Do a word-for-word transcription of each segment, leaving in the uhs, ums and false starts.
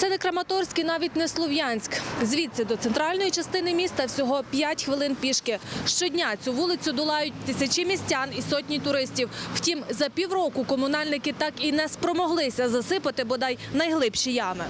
Це не Краматорськ і навіть не Слов'янськ. Звідси до центральної частини міста всього п'ять хвилин пішки. Щодня цю вулицю долають тисячі містян і сотні туристів. Втім, за півроку комунальники так і не спромоглися засипати бодай найглибші ями.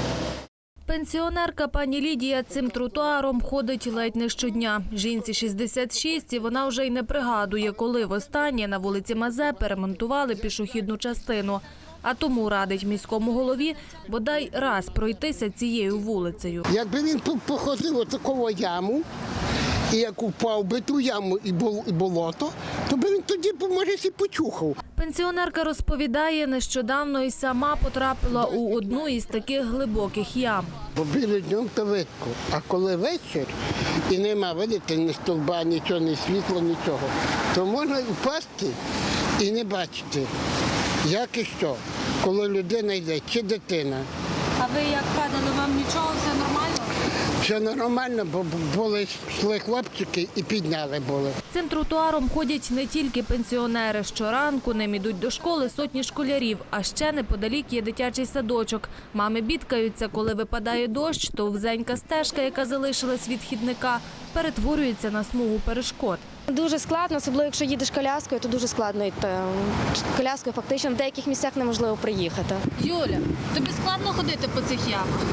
Пенсіонерка пані Лідія цим тротуаром ходить ледь не щодня. Жінці шістдесят шість, і вона вже й не пригадує, коли востаннє на вулиці Мазепи ремонтували пішохідну частину. А тому радить міському голові бодай раз пройтися цією вулицею. Якби він походив отакову яму, і як упав би ту яму і болото, то би він тоді, може, і почухав. Пенсіонерка розповідає, нещодавно і сама потрапила у одну із таких глибоких ям. Бо білий днем то видко, а коли вечір і нема, видите, ні стовба, нічого, ні світла, нічого, то можна впасти і не бачити, як і що, коли людина йде, чи дитина. А ви як падали, вам нічого, все нормально? Все нормально, бо були, йшли хлопчики і підняли були. Цим тротуаром ходять не тільки пенсіонери. Щоранку ним ідуть до школи сотні школярів, а ще неподалік є дитячий садочок. Мами бідкаються, коли випадає дощ, то вузенька стежка, яка залишилась від хідника, перетворюється на смугу перешкод. Дуже складно, особливо якщо їдеш коляскою, то дуже складно йти. Коляскою фактично в деяких місцях неможливо приїхати. Юля, тобі складно ходити по цих ямах?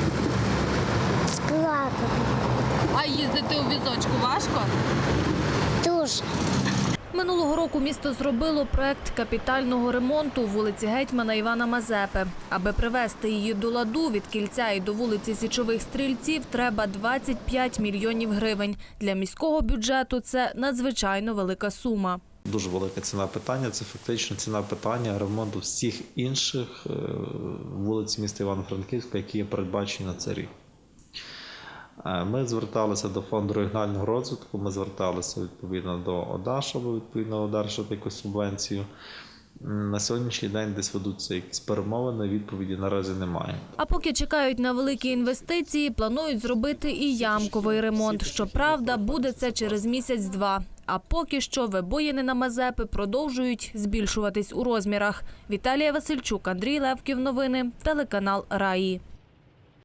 Складно. А їздити у візочку важко? Дуже. Минулого року місто зробило проект капітального ремонту вулиці гетьмана Івана Мазепи. Аби привести її до ладу від Кільця і до вулиці Січових Стрільців, треба двадцять п'ять мільйонів гривень. Для міського бюджету це надзвичайно велика сума. Дуже велика ціна питання – це фактично ціна питання ремонту всіх інших вулиць міста Івано-Франківська, які є передбачені на цей рік. Ми зверталися до фонду регіонального розвитку, ми зверталися відповідно до ОДА, щоб відповідно одержати якусь субвенцію. На сьогоднішній день десь ведуться якісь перемовини, відповіді наразі немає. А поки чекають на великі інвестиції, планують зробити і ямковий ремонт. Щоправда, буде це через місяць-два. А поки що вибоїни на Мазепи продовжують збільшуватись у розмірах. Віталія Васильчук, Андрій Левків. Новини. Телеканал Раї.